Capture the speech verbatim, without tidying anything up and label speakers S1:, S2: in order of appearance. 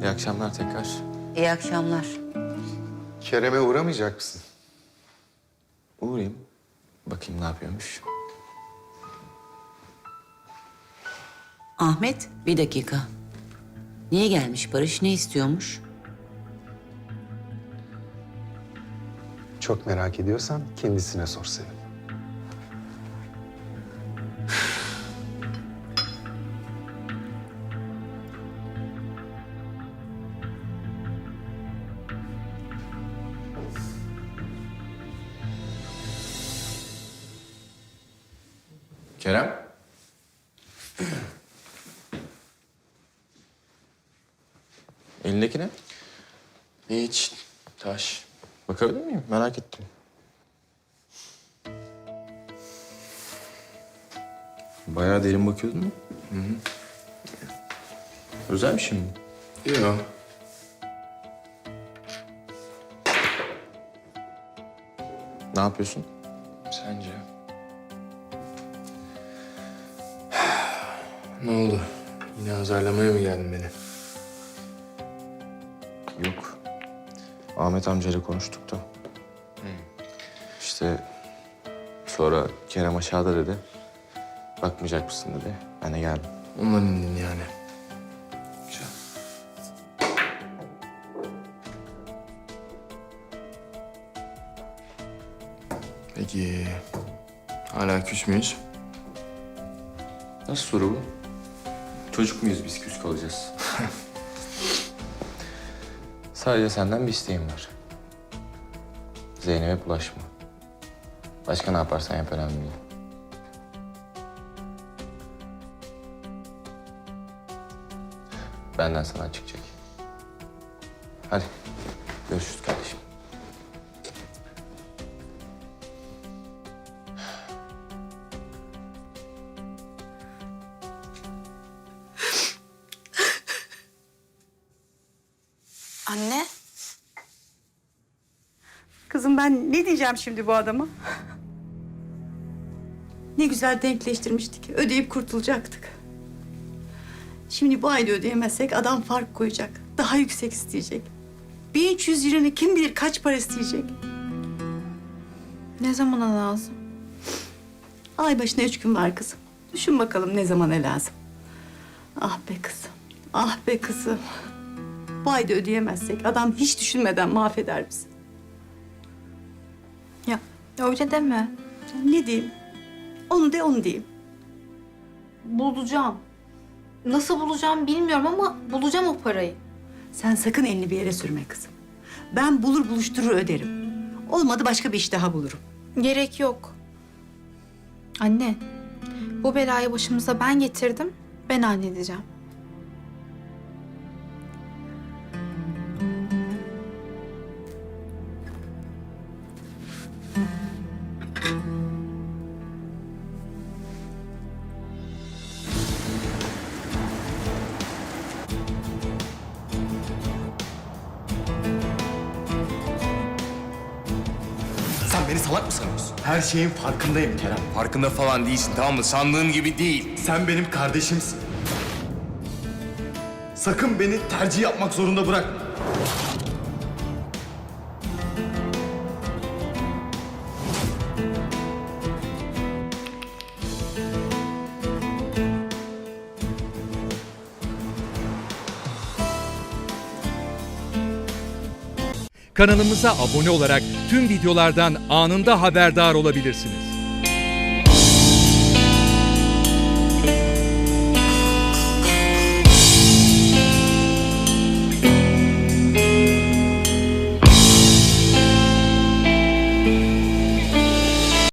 S1: İyi akşamlar tekrar.
S2: İyi akşamlar.
S3: Kerem'e uğramayacak mısın?
S1: Uğrayayım. Bakayım ne yapıyormuş.
S2: Ahmet, bir dakika. Niye gelmiş Barış, ne istiyormuş?
S3: Çok merak ediyorsan kendisine sor Sevim.
S1: Kerem. Elindeki ne? Hiç. Taş. Bakabilir miyim? Merak ettim. Bayağı derin bakıyordun mu? Hı hı. Özel bir şey mi? Yok. Ne yapıyorsun?
S4: Sence? Ne oldu? Yine azarlamaya mı geldin beni?
S1: Yok. Ahmet amcayla konuştuk da. İşte sonra Kerem aşağıda dedi. Bakmayacak mısın dedi. Ben de geldim.
S4: Ondan indin yani. Güzel. Peki... Hala küs müyüz?
S1: Nasıl soru bu? Çocuk muyuz biz küs kalacağız? Sadece senden bir isteğim var. Zeynep'e bulaşma. Başka ne yaparsan yap önemli değil. Benden sana çıkacak. Hadi görüşürüz kardeşim.
S5: Anne.
S6: Kızım ben ne diyeceğim şimdi bu adama? Ne güzel denkleştirmiştik. Ödeyip kurtulacaktık. Şimdi bu ayda ödeyemezsek adam fark koyacak. Daha yüksek isteyecek. bin üç yüz liranı kim bilir kaç para isteyecek.
S5: Ne zamana lazım?
S6: Ay başına üç gün var kızım. Düşün bakalım ne zamana lazım. Ah be kızım. Ah be kızım. Bu ayda ödeyemezsek adam hiç düşünmeden mahveder bizi.
S5: Ya öyle deme.
S6: Ne diyeyim? Onu de onu diyeyim.
S5: Bulacağım. Nasıl bulacağım bilmiyorum ama bulacağım o parayı.
S6: Sen sakın elini bir yere sürme kızım. Ben bulur buluşturur öderim. Olmadı başka bir iş daha bulurum.
S5: Gerek yok. Anne, bu belayı başımıza ben getirdim. Ben halledeceğim.
S7: Sen beni salak mı sanıyorsun? Her şeyin farkındayım Kerem.
S4: Farkında falan değilsin, tamam mı? Sandığın gibi değil.
S7: Sen benim kardeşimsin. Sakın beni tercih yapmak zorunda bırakma.
S8: Kanalımıza abone olarak tüm videolardan anında haberdar olabilirsiniz.